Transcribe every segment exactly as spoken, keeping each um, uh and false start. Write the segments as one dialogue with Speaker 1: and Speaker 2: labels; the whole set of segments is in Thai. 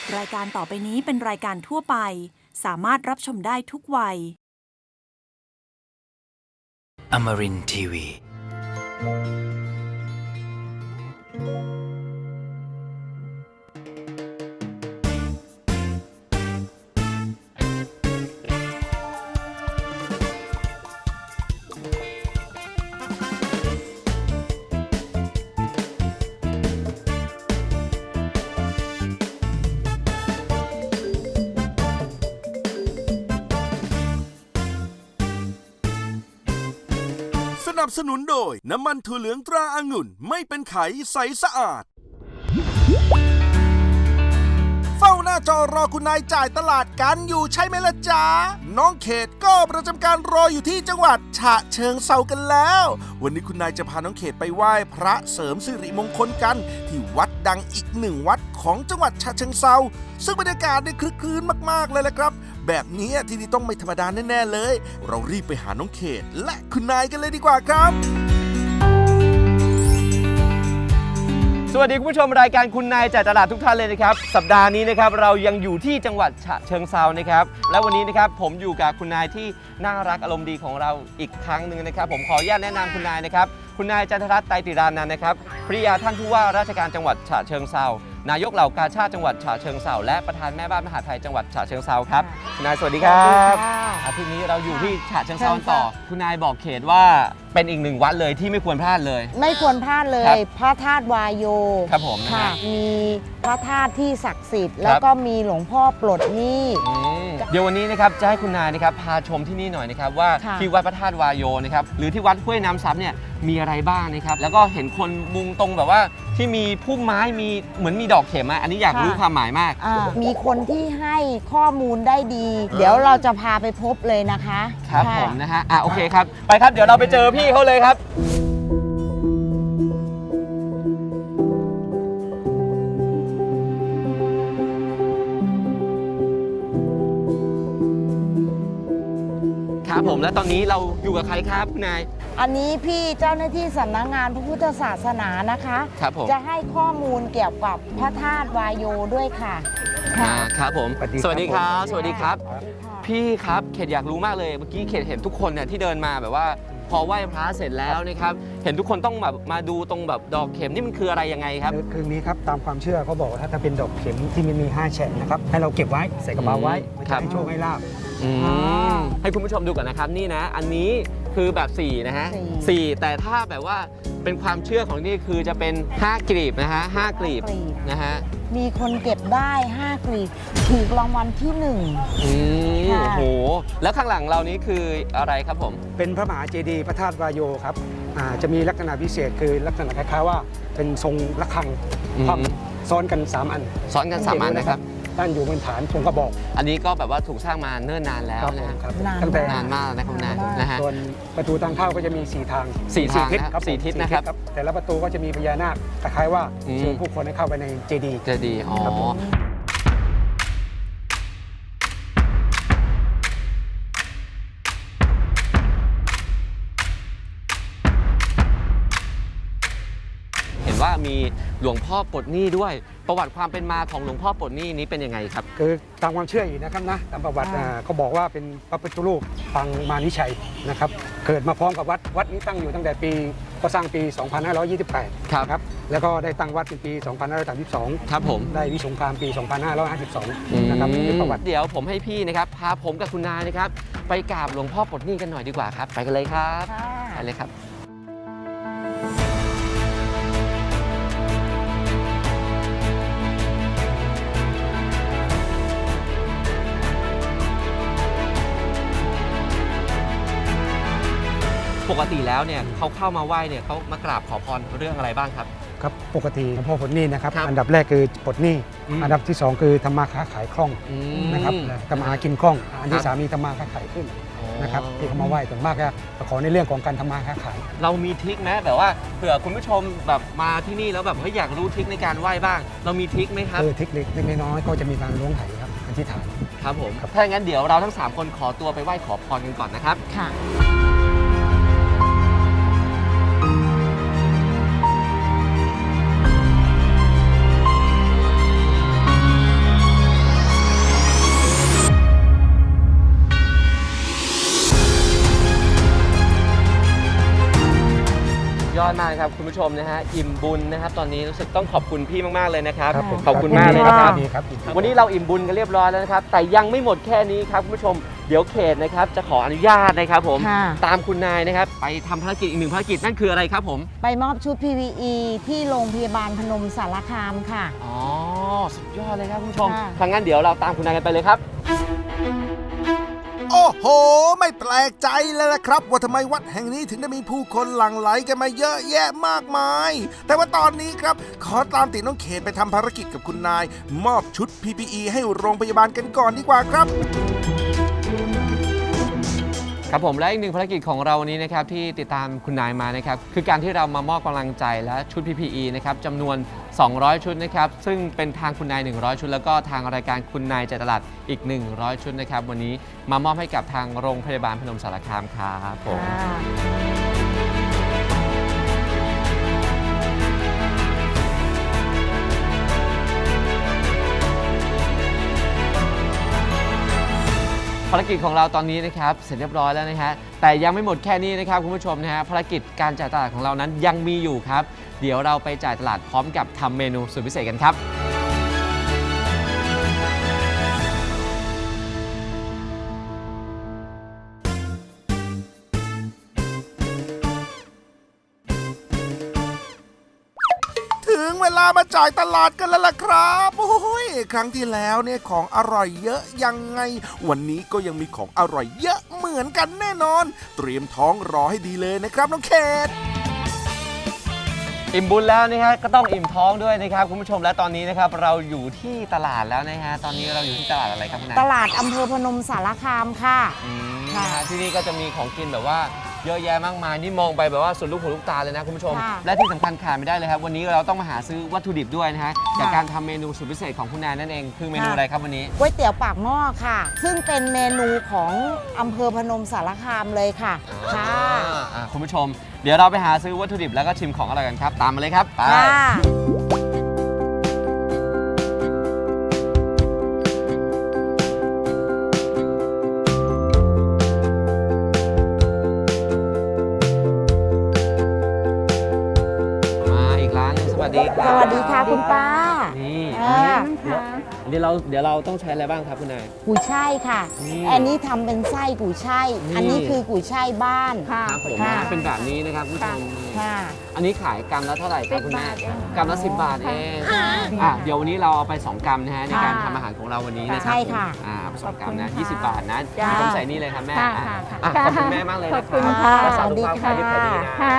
Speaker 1: รายการต่อไปนี้เป็นรายการทั่วไปสามารถรับชมได้ทุกวัย
Speaker 2: Amarin ที วี
Speaker 3: สนับสนุนโดยน้ำมันถั่วเหลืองตราองุ่นไม่เป็นไขใสสะอาดเฝ้าหน้าจอรอคุณนายจ่ายตลาดกันอยู่ใช่ไหมล่ะจ๊ะน้องเขตก็ประจำการรออยู่ที่จังหวัดฉะเชิงเทรากันแล้ววันนี้คุณนายจะพาน้องเขตไปไหว้พระเสริมสิริมงคลกันที่วัดดังอีกหนึ่งวัดของจังหวัดฉะเชิงเทราซึ่งบรรยากาศได้คลึกคลื้นมากๆเลยละครับแบบนี้ที่นี่ต้องไม่ธรรมดาแน่ๆเลยเรารีบไปหาน้องเขตและคุณนายกันเลยดีกว่าครับ
Speaker 4: สวัสดีคุณผู้ชมรายการคุณนายจ่ายตลาดทุกท่านเลยนะครับสัปดาห์นี้นะครับเรายังอยู่ที่จังหวัดฉะเชิงเทรานะครับและวันนี้นะครับผมอยู่กับคุณนายที่น่ารักอารมณ์ดีของเราอีกครั้งหนึ่งนะครับผมขออนุญาตแนะนำคุณนายนะครับคุณนายจันทรัตน์ไตรติรานันท์นะครับภริยาท่านผู้ว่าราชการจังหวัดฉะเชิงเทรานายกเหล่ากาชาดจังหวัดฉะเชิงเทราและประธานแม่บ้านมหาดไทยจังหวัดฉะเชิงเทราครับคุณนายสวัสดีครับอาทิตย์นี้เราอยู่ที่ฉะเชิงเทราต่อคุณนายบอกเขตว่าเป็นอีกหนึ่งวัดเลยที่ไม่ควรพลาดเลย
Speaker 5: ไม่ควรพลาดเลยพระธาตุวายโย
Speaker 4: ครับผม
Speaker 5: ค่ะมีพระธาตุที่ศักดิ์สิทธิ์แล้วก็มีหลวงพ่อปลดหนี้
Speaker 4: เดี๋ยววันนี้นะครับจะให้คุณนายนะครับพาชมที่นี่หน่อยนะครับว่าที่วัดพระธาตุวายโยนะครับหรือที่วัดห้วยน้ำซับเนี่ยมีอะไรบ้างนะครับแล้วก็เห็นคนมุงตรงแบบว่าที่มีพุ่มไม้มีเหมือนมีดอกเข็มอ่ะอันนี้อยากรู้ความหมายมาก
Speaker 5: มีคนที่ให้ข้อมูลได้ดีเดี๋ยวเราจะพาไปพบเลยนะคะ
Speaker 4: ครับผมนะฮะอ่ะโอเคครับไปครับเดี๋ยวเราไปเจอพี่เขาเลยครับครับผมและตอนนี้เราอยู่กับใครครับคุณนาย
Speaker 5: อันนี้พี่เจ้าหน้าที่สำนักงานพระพุทธศาสนานะคะ
Speaker 4: ครับผม
Speaker 5: จะให้ข้อมูลเกี่ยวกับพระธาตุวายโยด้วยค่ะ
Speaker 4: อ่าครับผมสวัสดีครับสวัสดีครับพี่ครับเขตอยากรู้มากเลยเมื่อกี้เขตเห็นทุกคนเนี่ยที่เดินมาแบบว่าพอไหว้พระเสร็จแล้วนะครับเห็นทุกคนต้องแบบมาดูตรงแบบดอกเข็มนี่มันคืออะไรยังไงครับ
Speaker 6: คือนี้ครับตามความเชื่อเขาบอกว่าถ้าเป็นดอกเข็มที่มันมีห้าแฉกนะครับให้เราเก็บไว้ใส่กระเป๋าไว้จะให้โชคให้ลาภ
Speaker 4: ให้คุณผู้ชมดูก่อนนะครับนี่นะอันนี้คือแบบสี่นะฮะสี่แต่ถ้าแบบว่าเป็นความเชื่อของนี่คือจะเป็นห้ากลีบนะฮะห้ากลีบนะฮะ
Speaker 5: มีคนเก็บได้ห้ากลีบถูกรางวัลที่หนึ่ง
Speaker 4: อืมโอ้โหแล้วข้างหลังเรานี้คืออะไรครับผม
Speaker 6: เป็นพระมหาเจดีย์พระธาตุวายโยครับจะมีลักษณะพิเศษคือลักษณะคล้ายๆว่าเป็นทรงระฆังซ้อนกันสามอัน
Speaker 4: ซ้อนกันสามอันนะครับ
Speaker 6: ตั้งอยู่บนฐานทรงกระบอก
Speaker 4: อันนี้ก็แบบว่าถูกสร้างมาเนิ่นนานแล้ว
Speaker 6: นะครับ
Speaker 4: ตั้งแต่นานมากนะครับนะฮะ
Speaker 6: ส่วนประตูทางเข้าก็จะมีสี่ทาง
Speaker 4: สี่ทางครับสี่ทิศนะครับ
Speaker 6: แต่ละประตูก็จะมีพญานาคคล้ายๆว่าเชิญผู้คนให้เข้าไปในเจดีย์
Speaker 4: เจดีย์อ๋อว่ามีหลวงพ่อปลดหนี้ด้วยประวัติความเป็นมาของหลวงพ่อปลดหนี้นี้เป็นยังไงครับ
Speaker 6: คือตามความเชื่ออีกนะครับนะตามประวัติเขาบอกว่าเป็นพระพุทธรูปปางมานิชัยนะครับเกิดมาพร้อมกับวัดวัดนี้ตั้งอยู่ตั้งแต่ปีก็สร้างปีสองพันห้าร้อยยี่สิบแปดครับแล้วก็ได้ตั้งวัดในปีสองพันห้าร้อยสามสิบสอง
Speaker 4: ครับผม
Speaker 6: ได้วิสงครามปีสองพันห้าร้อยห้าสิบสองนะครับประวัติ
Speaker 4: เดี๋ยวผมให้พี่นะครับพาผมกับคุณนายนะครับไปกราบหลวงพ่อปลดหนี้กันหน่อยดีกว่าครับไปกันเลยครับไปเลยครับปกติแล้วเนี่ยเขาเข้ามาไหว้เนี่ยเขามากราบขอพรเรื่องอะไรบ้างครับ
Speaker 6: ครับปกติหลวงพ่อปลดหนี้นะครับอันดับแรกคือปลดหนี้อันดับที่สองคือทำมาค้าขายคล่องนะครับทำมาหากินคล่องอันที่สามมีทำมาค้าขายขึ้นนะครับที่เขามาไหว้ส่วนมากก็ขอในเรื่องของการทำมาค้าขาย
Speaker 4: เรามีทริคไหมแบบว่าเผื่อคุณผู้ชมแบบมาที่นี่แล้วแบบเฮ้ยอยากรู้ทริคในการไหว้บ้างเรามีทริคไหมครับ
Speaker 6: เออทริคเล็กน้อยก็จะมีการล้วงไหครับอธิษฐาน
Speaker 4: ครับผมถ้าอย่างนั้นเดี๋ยวเราทั้งสามคนขอตัวไปไหว้ขอพรกันก่อนนะครับ
Speaker 5: ค่ะ
Speaker 4: อดมากนะครับคุณผู้ชมนะฮะอิ่มบุญนะครับตอนนี้รู้สึกต้องขอบคุณพี่มากๆเลยนะครับ
Speaker 6: ครับผม
Speaker 4: ขอบคุณมากเลยนะครับ
Speaker 6: ดีครับดีครับ
Speaker 4: วันนี้เราอิ่มบุญกันเรียบร้อยแล้วนะครับแต่ยังไม่หมดแค่นี้ครับคุณผู้ชมเดี๋ยวเขตนะครับจะขออนุญาตนะครับผม
Speaker 5: ค่ะ
Speaker 4: ตามคุณนายนะครับไปทำภารกิจอีกหนึ่งภารกิจนั่นคืออะไรครับผม
Speaker 5: ไปมอบชุด พี พี อี ที่โรงพยาบาลพนมสารคามค่ะ
Speaker 4: อ๋อสุดยอดเลยครับคุณผู้ชม
Speaker 5: ค่ะ
Speaker 4: ทางงั้นเดี๋ยวเราตามคุณนายกันไปเลยครับ
Speaker 3: โอ้โห ไม่แปลกใจเลยนะครับ ว่าทำไมวัดแห่งนี้ถึงได้มีผู้คนหลั่งไหลกันมาเยอะแยะมากมาย แต่ว่าตอนนี้ครับ ขอตามติดน้องเขตไปทำภารกิจกับคุณนาย มอบชุด พี พี อี ให้โรงพยาบาลกันก่อนดีกว่าครับ
Speaker 4: ครับผมและอีกหนึ่งภารกิจของเราวันนี้นะครับที่ติดตามคุณนายมานะครับคือการที่เรามามอบกำลังใจและชุด พี พี อี นะครับจำนวน สองร้อย ชุดนะครับซึ่งเป็นทางคุณนาย หนึ่งร้อย ชุด แล้วก็ทางรายการคุณนายใจตลาดอีก หนึ่งร้อย ชุดนะครับวันนี้มามอบให้กับทางโรงพยาบาลพนมสารคามครับผม ภารกิจของเราตอนนี้นะครับเสร็จเรียบร้อยแล้วนะฮะแต่ยังไม่หมดแค่นี้นะครับคุณผู้ชมนะฮะภารกิจการจ่ายตลาดของเรานั้นยังมีอยู่ครับเดี๋ยวเราไปจ่ายตลาดพร้อมกับทำเมนูสุดพิเศษกันครับ
Speaker 3: ถึงเวลามาจ่ายตลาดกันแล้วล่ะครับโอ้ยครั้งที่แล้วเนี่ยของอร่อยเยอะยังไง วันนี้ก็ยังมีของอร่อยเยอะเหมือนกันแน่นอน เตรียมท้องรอให้ดีเลยนะครับน้องเขต
Speaker 4: อิ่มบุญแล้วนะฮะก็ต้องอิ่มท้องด้วยนะครับคุณผู้ชมและตอนนี้นะครับเราอยู่ที่ตลาดแล้วนะฮะตอนนี้เราอยู่ที่ตลาดอะไรครับคุณนาย
Speaker 5: ตลาดอำเภอพนมสารคามค่ะ
Speaker 4: อืม
Speaker 5: ค่ะ
Speaker 4: นะฮะที่นี่ก็จะมีของกินแบบว่าเยอะแยะมากมายนี่มองไปแบบว่าสุดลูกหูลูกตาเลยนะคุณผู้ชม
Speaker 5: ค่ะ
Speaker 4: และที่สำคัญขาดไม่ได้เลยครับวันนี้เราต้องมาหาซื้อวัตถุดิบด้วยนะฮะ
Speaker 5: ค่ะ
Speaker 4: จากการทำเมนูสุดพิเศษของคุณนายนั่นเองคือเมนูอะไรครับวันนี้
Speaker 5: ก๋วยเตี๋ยวปากหม้อค่ะ ซึ่งเป็นเมนูของอำเภอพนมสารคามเลยค่ะ ค่ะ
Speaker 4: อ่าอ่าคุณผู้ชม เดี๋ยวเราไปหาซื้อวัตถุดิบแล้วก็ชิมของอร่อยกันครับ ตามมาเลยครับไป
Speaker 5: ค่ะ
Speaker 4: มาอีกร้านหนึงสวัสดีค
Speaker 5: ส
Speaker 4: รับ
Speaker 5: วัสดีค่ะคุณป้า
Speaker 4: นี่
Speaker 5: อ่า
Speaker 4: เดี๋ยวเราเดี๋ยวเราต้องใช้อะไรบ้างครับคุณนาย
Speaker 5: กุยช่ายค่ะ
Speaker 4: นี่
Speaker 5: อันนี้ทำเป็นไส้กุยช่าย
Speaker 4: นี่
Speaker 5: อันนี้คือกุยช่ายบ้าน
Speaker 4: ครับผม
Speaker 5: ค่ะ
Speaker 4: นะเป็นแบบนี้นะครับคุณผู้ชม
Speaker 5: ค่ะ
Speaker 4: อันนี้ขายกรัมละเท่าไหร่ครับคุณแม่
Speaker 7: สิบบาทเอง
Speaker 4: กรัมละสิบบาทเองอ่ะเดี๋ยววันนี้เราเอาไปสองกรัมนะฮะในการ
Speaker 5: ค่ะ
Speaker 4: ทำอาหารของเราวันนี้นะครั
Speaker 5: ใช่ค่ะ
Speaker 4: อ่าเอาไปสองกรัมนะ
Speaker 7: ขอบคุณ
Speaker 4: ยี่สิบ
Speaker 7: ค่ะ
Speaker 4: บาทนะ
Speaker 5: จ้า
Speaker 4: ผมใส่นี่เลยครับแม่
Speaker 7: ค่ะ
Speaker 4: อ่ะ
Speaker 7: ค่ะค่ะ
Speaker 4: อ่ะขอบคุณแม่มากเลยนะ
Speaker 7: ขอบคุณ
Speaker 4: ครั
Speaker 7: ค่ะ
Speaker 4: รักษาสุขภาพ
Speaker 5: สวัสดี
Speaker 4: ขายดี
Speaker 5: ค่ะ
Speaker 4: ขายดีนะ
Speaker 7: ค่ะ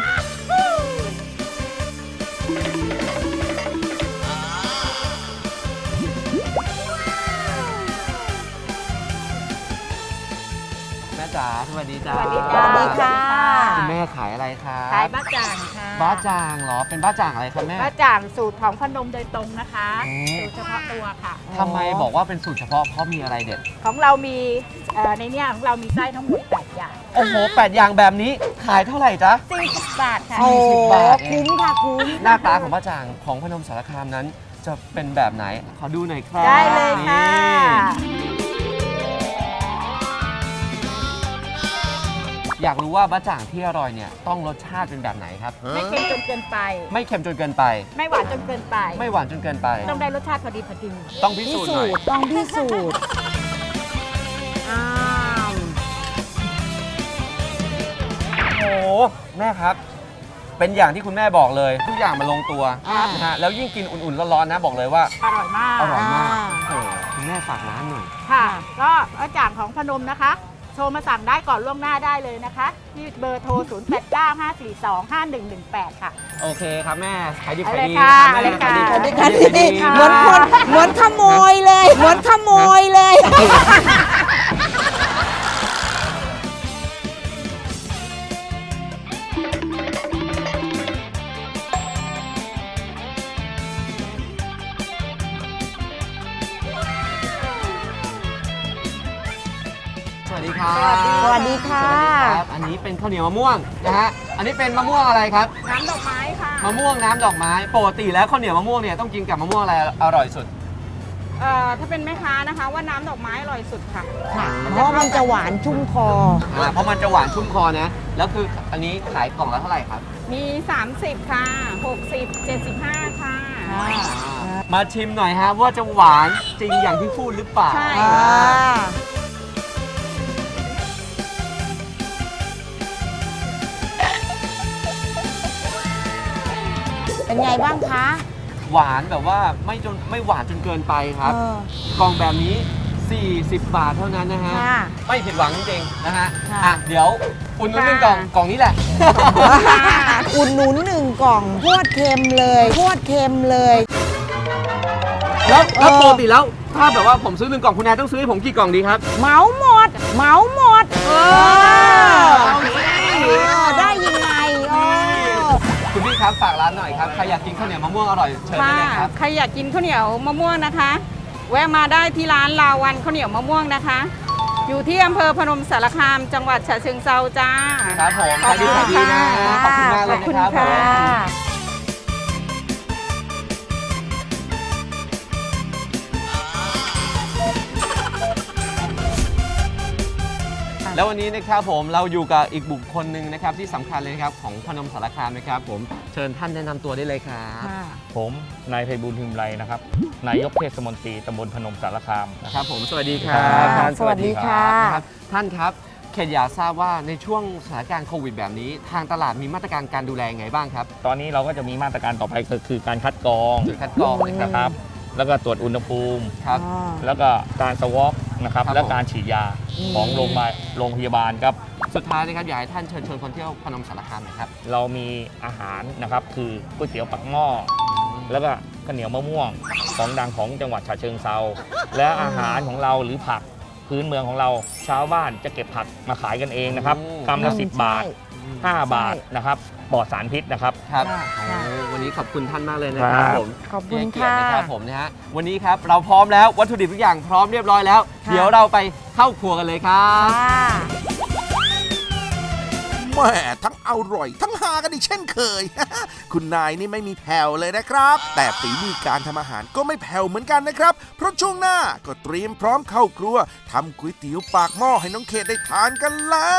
Speaker 4: แม่จ๋าสวัสดีจ้า
Speaker 7: สวัสดี
Speaker 5: ส
Speaker 7: จ้า
Speaker 5: วัสดีค่ะ
Speaker 4: คุณแม่ขายอะไรครับ
Speaker 7: ขายบ้าจ่างค่ะ
Speaker 4: บ้าจ่างเหรอเป็นบ้าจ่างอะไรครับแม่
Speaker 7: บ้าจ่างสูตรของพนมโดยตรงนะคะ
Speaker 4: อืม
Speaker 7: สูตรเฉพาะตัวค่ะ
Speaker 4: ทำไมบอกว่าเป็นสูตรเฉพาะเพราะมีอะไรเด็ด
Speaker 7: ของเรามีเอ่อในเนี้ยของเรามีไส้ทั้งหมดแปดอย่าง
Speaker 4: โอ้โหแปดอย่างแบบนี้ขายเท่าไหร่จ๊ะ
Speaker 7: สี่สิบบาทค่ะ
Speaker 5: โอ้
Speaker 4: สิบบาทเอง
Speaker 5: คุ้มค่ะคุ้ม
Speaker 4: หน้าตาของบ้าจ่างของพนมสารคามนั้นจะเป็นแบบไหน ขอดูหน่อยครับ
Speaker 7: ได้เลยค่ะ
Speaker 4: นี่อยากรู้ว่าบ้าจ่างที่อร่อยเนี่ยต้องรสชาติเป็นแบบไหนครับ
Speaker 7: ไม่เค็มจนเกินไป
Speaker 4: ไม่เค็มจนเกินไป
Speaker 7: ไม่หวานจนเกินไป
Speaker 4: ไม่หวานจนเกินไป
Speaker 7: ต้องได้รสชาติพอดีพอดี
Speaker 4: ต้องพิ
Speaker 5: พิ
Speaker 4: สูจน์ห
Speaker 5: สู
Speaker 4: น่อย
Speaker 5: จน์ต้องพิสูจน์อ้าว
Speaker 4: โอ้โหแม่ครับ เป็นอย่างที่คุณแม่บอกเลย ทุกอย่างมันลงตัว
Speaker 5: อ่า
Speaker 4: นะฮะแล้วยิ่งกินอุ่นๆร้อนๆนะบอกเลยว่า
Speaker 7: อร่อยมาก
Speaker 4: อร่อยมาก
Speaker 5: อ่า
Speaker 4: โอ้โหคุณแม่ฝากร้านหน่อย
Speaker 7: ค่ะ ก็บ้าจ่างของพนมนะคะ โทรมาสั่งได้ก่อนล่วงหน้าได้เลยนะคะ ที่เบอร์โทร ศูนย์ แปด เก้า ห้า สี่ สอง ห้า หนึ่ง หนึ่ง แปด ค่ะ
Speaker 4: โอเคครับแม่ขายดี
Speaker 7: เอา
Speaker 4: ขาย
Speaker 7: เลย
Speaker 4: ดี
Speaker 7: ค่ะ
Speaker 4: นะครับแม่
Speaker 7: เอาเลยค่ะ
Speaker 4: ขายดี
Speaker 5: สวัสดี
Speaker 4: ขา
Speaker 5: ค่ะ
Speaker 4: ยดี
Speaker 5: นี่
Speaker 4: ขาย
Speaker 5: เหมือนคนเหมือนขโมยเลย เหมือนขโมยเลย
Speaker 4: สวัสดีครับ
Speaker 5: สวัสดีค่ะ
Speaker 4: สวัสดีครับ อันนี้เป็นข้าวเหนียวมะม่วงนะฮะ อันนี้เป็นมะม่วงอะไรครับ
Speaker 7: น้ำดอกไม้ค่ะ
Speaker 4: มะม่วงน้ำดอกไม้ ปกติแล้วข้าวเหนียวมะม่วงเนี่ยต้องกินกับมะม่วงอะไรอร่อยสุด
Speaker 7: เอ่อ ถ้าเป็นแม่ค้านะคะ ว่าน้ำดอกไม้อร่อยสุดค่ะ
Speaker 5: ค่ะ เพราะมันจะหวานชุ่มคอ
Speaker 4: อ่า เพราะมันจะหวานชุ่มคอนะ แล้วคืออันนี้ขายกล่องละเท่าไหร่ครับ
Speaker 8: มี สามสิบ ค่ะ หกสิบ เจ็ดสิบห้า ค่ะ
Speaker 4: มาชิมหน่อยฮะว่าจะหวานจริงอย่างที่พูดหรือเปล่า
Speaker 8: ใช่
Speaker 5: อ่าเป็นไงบ้างคะ
Speaker 4: หวานแบบว่าไม่จนไม่หวานจนเกินไปครับ
Speaker 5: เออก
Speaker 4: ล่องแบบนี้ สี่สิบบาทเท่านั้นนะฮะ
Speaker 5: ค่ะ
Speaker 4: ไม่ผิดหวังจริงๆนะฮะ
Speaker 5: ค่ะ
Speaker 4: อ่ะเดี๋ยวอุ่นนุ่นหนึ่งกล่องกล่องนี้แหละ
Speaker 5: อุ่นหนุนหนึ่งกล่องโคตรเค็มเลยโคตรเค็มเลย
Speaker 4: แล้วแล้ว
Speaker 5: เออ
Speaker 4: ปกติแล้วถ้าแบบว่าผมซื้อหนึ่งกล่องคุณนายต้องซื้อให้ผมกี่กล่องดีครับ
Speaker 5: เหมาหมดเหมาหมดเออ
Speaker 4: เอาสิ
Speaker 5: เออได้ยังไงเออ
Speaker 4: คุณพี่ครับฝากร้านหน่อยครับใครอยากกินข้าวเหนียวมะม่วงอร่อยเชิญได้
Speaker 8: ค่ะ
Speaker 4: เลยครับ
Speaker 8: ใครอยากกินข้าวเหนียวมะม่วงนะคะ แวะมาได้ที่ร้านลาวันข้าวเหนียวมะม่วงนะคะ อยู่ที่อำเภอพนมสารคาม จังหวัดฉะเชิงเทราจ้า
Speaker 4: ครับผมขายดีขายดีนะ ขอบคุณมากเลยนะครับ
Speaker 5: ขอบคุณ
Speaker 4: ผม
Speaker 5: ค่ะ
Speaker 4: แล้ววันนี้นะครับผมเราอยู่กับอีกบุคคลหนึ่งนะครับที่สำคัญเลยนะครับของพนมสารคามนะครับผมเชิญท่านแนะนำตัวได้เลยครับ
Speaker 5: ค่ะ
Speaker 9: ผมนายไพบูลย์พิมไรนะครับ นายกเทศมนตรีตำบลพนมสารคามนะ
Speaker 4: ค
Speaker 9: ครับ
Speaker 4: รับผมสวัสดีครับ
Speaker 9: ครับ
Speaker 4: ท่าน
Speaker 5: สวัสดีค่ะ
Speaker 4: นะครับท่านครับเขตอยากทราบว่าในช่วงสถานการณ์โควิดแบบนี้ ทางตลาดมีมาตรการการดูแลยังไงบ้างครับ
Speaker 9: ตอนนี้เราก็จะมีมาตรการต่อไปก็คือการคัดกรอง
Speaker 4: จุดคัดกรองนะค
Speaker 9: นะค
Speaker 4: รั
Speaker 9: รับ บ แล้วก็ตรวจอุณหภูมิ
Speaker 4: ครับ
Speaker 5: อ่า
Speaker 9: แล้วก็การสวอปนะครับ
Speaker 4: ครับ
Speaker 9: และการฉีดยา
Speaker 5: อืม
Speaker 9: ของโรงพยาบาลโรงพยาบาลครับ
Speaker 4: สุดท้ายนะครับอยากให้ท่านเชิญชวนคนเที่ยวพนมสารคามหน่อยครับ
Speaker 9: เรามีอาหารนะครับ คือก๋วยเตี๋ยวปักหม้อ แล้วก็ข้าวเหนียวมะม่วงของดังของจังหวัดฉะเชิงเทราและอาหารของเราหรือผักพื้นเมืองของเราชาวบ้านจะเก็บผักมาขายกันเองนะครับ
Speaker 4: อืม
Speaker 9: กำละสิบบาท
Speaker 5: ใช่
Speaker 9: ห้าบาทนะครับปลอดสารพิษนะครับ
Speaker 4: ครับ
Speaker 5: ค่ะค่ะ
Speaker 4: โอ้วันนี้ขอบคุณท่านมากเลยนะครับ
Speaker 9: ครับ
Speaker 4: ผม
Speaker 5: ขอบคุณ
Speaker 4: ให้เกียรติ
Speaker 5: ค่ะ
Speaker 4: นะครับผมนะฮะวันนี้ครับเราพร้อมแล้ววัตถุดิบทุกอย่างพร้อมเรียบร้อยแล้ว
Speaker 5: ค่ะ
Speaker 4: เดี๋ยวเราไปเข้าครัวกันเลยครับ
Speaker 5: ค่ะ
Speaker 3: แหม่ทั้งอร่อย ทั้งหากันอีกเช่นเคย คุณนายนี่ไม่มีแผ่วเลยนะครับ แต่ฝีมือการทำอาหารก็ไม่แผ่วเหมือนกันนะครับ เพราะช่วงหน้าก็เตรียมพร้อมเข้าครัวทำก๋วยเตี๋ยวปากหม้อให้น้องเขตได้ทานกันแล้ว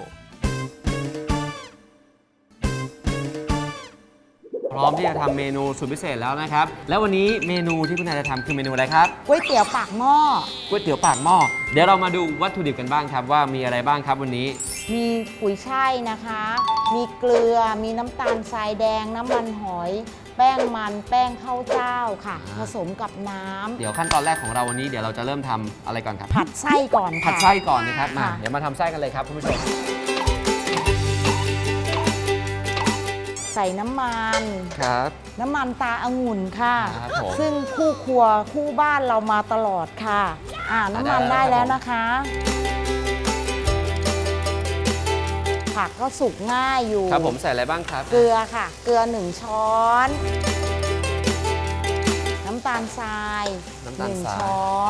Speaker 4: พร้อมที่จะทำเมนูสุดพิเศษแล้วนะครับ แล้ววันนี้เมนูที่คุณนายจะทำคือเมนูอะไรครับ
Speaker 5: ก๋วยเตี๋ยวปากหม้อ
Speaker 4: ก๋วยเตี๋ยวปากหม้อเดี๋ยวเรามาดูวัตถุดิบกันบ้างครับว่ามีอะไรบ้างครับวันนี้
Speaker 5: มีกุยช่ายนะคะ มีเกลือ มีน้ำตาลทรายแดง น้ำมันหอย แป้งมัน แป้งข้าวเจ้าค่ะ ผสมกับน้ำ
Speaker 4: เดี๋ยวขั้นตอนแรกของเราวันนี้เดี๋ยวเราจะเริ่มทำอะไรก่อนครับ
Speaker 5: ผัดไส้ก่อนค่ะ
Speaker 4: ผัดไส้ก่อนนะครับมา
Speaker 5: ค่ะ
Speaker 4: เดี๋ยวมาทำไส้กันเลยครับคุณผู้ชม
Speaker 5: ใส่น้ำมัน
Speaker 4: ครับ
Speaker 5: น้ำมันตาองุ่นค่ะ
Speaker 4: ครับผม
Speaker 5: ซึ่งคู่ครัวคู่บ้านเรามาตลอดค่ะ อ่าน้ำมัน
Speaker 4: ได้
Speaker 5: ได้
Speaker 4: แล้
Speaker 5: แล้ว ว
Speaker 4: ครับ
Speaker 5: นะคะ ผักก็สุกง่ายอยู่
Speaker 4: ครับผมใส่อะไรบ้างครับ
Speaker 5: เกลือค่ะ เกลือหนึ่งช้อน น้ำตาลทราย
Speaker 4: น้ำ
Speaker 5: ห
Speaker 4: ตาล
Speaker 5: นึ่ง
Speaker 4: ทราย
Speaker 5: ช้อน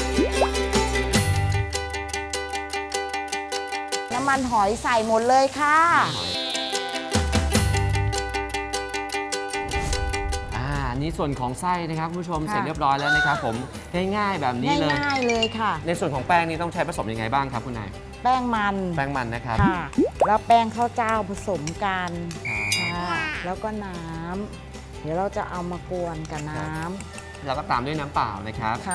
Speaker 5: น้ำมันหอยใส่หมดเลยค่ะ
Speaker 4: อ่าอันนี้ส่วนของไส้นะครับคุณผู้ชม
Speaker 5: ค่ะ
Speaker 4: เสร็จเรียบร้อยแล้วนะครับผมง่ายๆแบบนี้เลย
Speaker 5: ง่ายๆเลยค่ะ
Speaker 4: ในส่วนของแป้งนี้ต้องใช้ผสมยังไงบ้างครับคุณนาย
Speaker 5: แป้งมัน
Speaker 4: แป้งมันนะครับ
Speaker 5: ค่ะ แล้วแป้งข้าวเจ้าผสมกัน
Speaker 4: ครับ
Speaker 5: ค่ะแล้วก็น้ำ เดี๋ยวเราจะเอามากวนกับน้
Speaker 4: แล้วก็ตามด้วยน้ำเปล่านะครับ
Speaker 5: ำค่ะ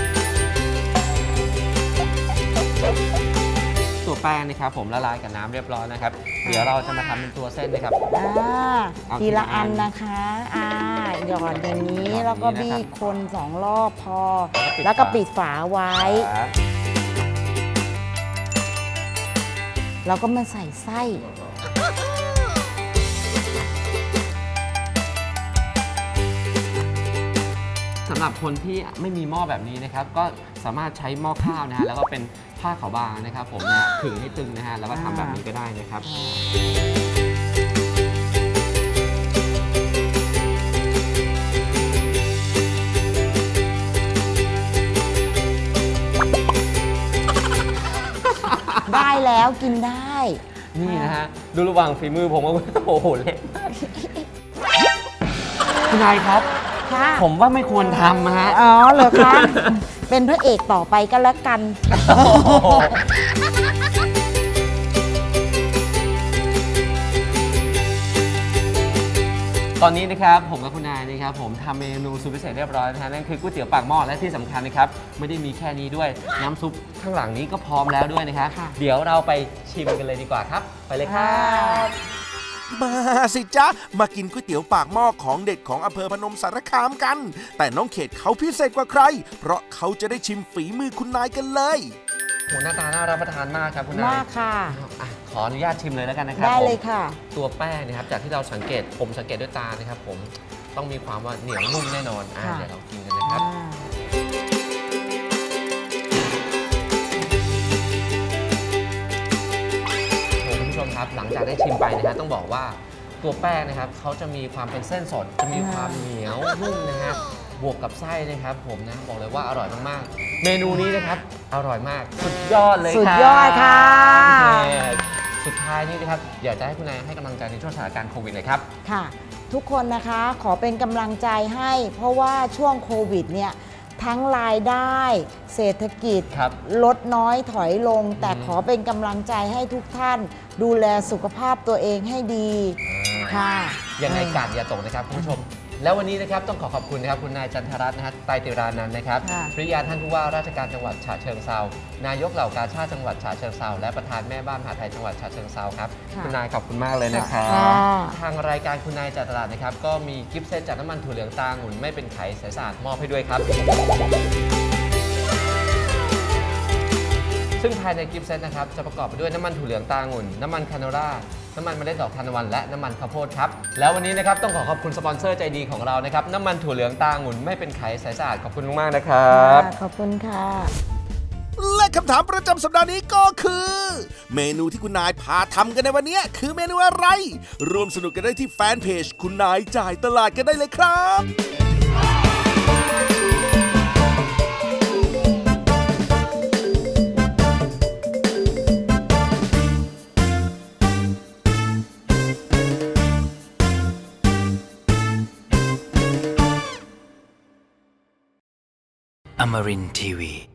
Speaker 4: ตัวแป้งนะครับผมละลายกับน้ำเรียบร้อยนะครับ เดี๋ยวเราจะมาทำเป็นตัวเส้นนะครับ
Speaker 5: อ่า
Speaker 4: เอา
Speaker 5: ทีละ
Speaker 4: ทีละอั
Speaker 5: อั
Speaker 4: น
Speaker 5: นนะคะ อ่า หยอดอย่างนี้
Speaker 4: หยอดอย่างนี้
Speaker 5: แล้วก็
Speaker 4: นะครับ
Speaker 5: บี้คนสองรอบพอ
Speaker 4: แล้
Speaker 5: แล้ว ว
Speaker 4: ก็
Speaker 5: ก็
Speaker 4: ปิ
Speaker 5: ปิ
Speaker 4: ด
Speaker 5: ด
Speaker 4: ฝา
Speaker 5: ฝาไว้
Speaker 4: ครับ
Speaker 5: แล้วก็มาใส่ไส้
Speaker 4: สำหรับคนที่ไม่มีหม้อแบบนี้นะครับ ก็สามารถใช้หม้อข้าวนะฮะแล้วก็เป็นผ้าขาวบางนะครับ ผมนะฮะขึงให้ตึงนะฮะแล้วก็ทำแบบนี้ก็ได้นะครับ
Speaker 5: ได้แล้วกินได้
Speaker 4: นี่นะฮะดูระหว่างฝีมือผมว่า โอ้โหเละมากคุณนายครับ
Speaker 5: ค่ะ
Speaker 4: ผมว่าไม่ควรทำนะฮะ
Speaker 5: อ๋อเหรอคะ เป็นพระเอกต่อไปก็แล้วกัน
Speaker 4: คตอนนี้นะครับผมกับคุณนายนะครับผมทำเมนูสุดพิเศษเรียบร้อยนะฮะนั่นคือก๋วยเตี๋ยวปากหม้อและที่สำคัญนะครับไม่ได้มีแค่นี้ด้วยน้ำซุปข้างหลังนี้ก็พร้อมแล้วด้วยนะครับ
Speaker 5: ค่ะ
Speaker 4: เดี๋ยวเราไปชิมกันเลยดีกว่าครับไปเลยครับ
Speaker 3: มาสิจ๊ะ มากินก๋วยเตี๋ยวปากหม้อของเด็ดของอำเภอพนมสารคามกัน แต่น้องเขตเขาพิเศษกว่าใคร เพราะเขาจะได้ชิมฝีมือคุณนายกันเลย
Speaker 4: โหหน้าตาน่ารับประทานมากครับคุณนาย
Speaker 5: มากค่ะ
Speaker 4: อ่ะขออนุญาตชิมเลยแล้วกันนะครับ
Speaker 5: ได้เลย
Speaker 4: ผม
Speaker 5: ค่ะ
Speaker 4: ตัวแป้งนะครับจากที่เราสังเกตผมสังเกตด้วยตานะครับผมต้องมีความว่าเหนียวนุ่มแน่นอนอ่ะ
Speaker 5: ค่ะ
Speaker 4: เดี๋ยวเรากินกันนะครับ
Speaker 5: อ่า
Speaker 4: โอ้คุณผู้ชมครับหลังจากได้ชิมไปนะฮะต้องบอกว่าตัวแป้งนะครับเขาจะมีความเป็นเส้นสดจะมีความเหนียวนุ่มนะฮะบวกกับไส้นะครับผมนะบอกเลยว่าอร่อยมากๆ เมนูนี้นะครับอร่อยมากสุดยอดเลยครับ
Speaker 5: สุดยอดค่ะ
Speaker 4: โอเคสุดท้ายนี้นะครับอยากจะให้คุณนายให้กำลังใจในช่วงสถานการณ์โควิดหน่อยครับ
Speaker 5: ค่ะ ทุกคนนะคะขอเป็นกำลังใจให้ เพราะว่าช่วงโควิดเนี่ยทั้งรายได้ เศรษฐกิจ
Speaker 4: ครับ
Speaker 5: ลดน้อยถอยลง แต่
Speaker 4: อืม
Speaker 5: ขอเป็นกำลังใจให้ทุกท่าน ดูแลสุขภาพตัวเองให้ดีค่ะ
Speaker 4: ยังไงกาดอย่าตกนะครับคุณผู้ชม แล้ววันนี้นะครับต้องขอขอบคุณนะครับคุณนายจันทรัตน์นะฮะไตรติรานันท์นะครับ
Speaker 5: ค่ะ
Speaker 4: ภริยาท่านผู้ว่าราชการจังหวัดฉะเชิงเทรานายกเหล่ากาชาดจังหวัดฉะเชิงเทราและประธานแม่บ้านมหาไทยจังหวัดฉะเชิงเทราครับ
Speaker 5: ค่ะ
Speaker 4: คุณนายขอบคุณมากเลยนะครับ
Speaker 5: ค่ะ
Speaker 4: ทางรายการคุณนายจ่ายตลาดนะครับก็มีกิฟต์เซตจากน้ำมันถั่วเหลืองตาองุ่นไม่เป็นไขใสสะอาดมอบให้ด้วยครับ ซึ่งภายในกิฟต์เซตนะครับจะประกอบไปด้วยน้ำมันถั่วเหลืองตาองุ่นน้ำมันคาโนล่าน้ำมันเมล็ดดอกทานตะวันและน้ำมันข้าวโพดครับแล้ววันนี้นะครับต้องขอขอบคุณสปอนเซอร์ใจดีของเรานะครับน้ำมันถั่วเหลืองตาองุ่นไม่เป็นไขใสสะอาดขอบคุณมากๆนะครับ
Speaker 5: ค่ะขอบคุณค่ะ
Speaker 3: และคำถามประจำสัปดาห์นี้ก็คือ เมนูที่คุณนายพาทำกันในวันนี้คือเมนูอะไร ร่วมสนุกกันได้ที่แฟนเพจคุณนายจ่ายตลาดกันได้เลยครับ
Speaker 2: Amarin Tiwi.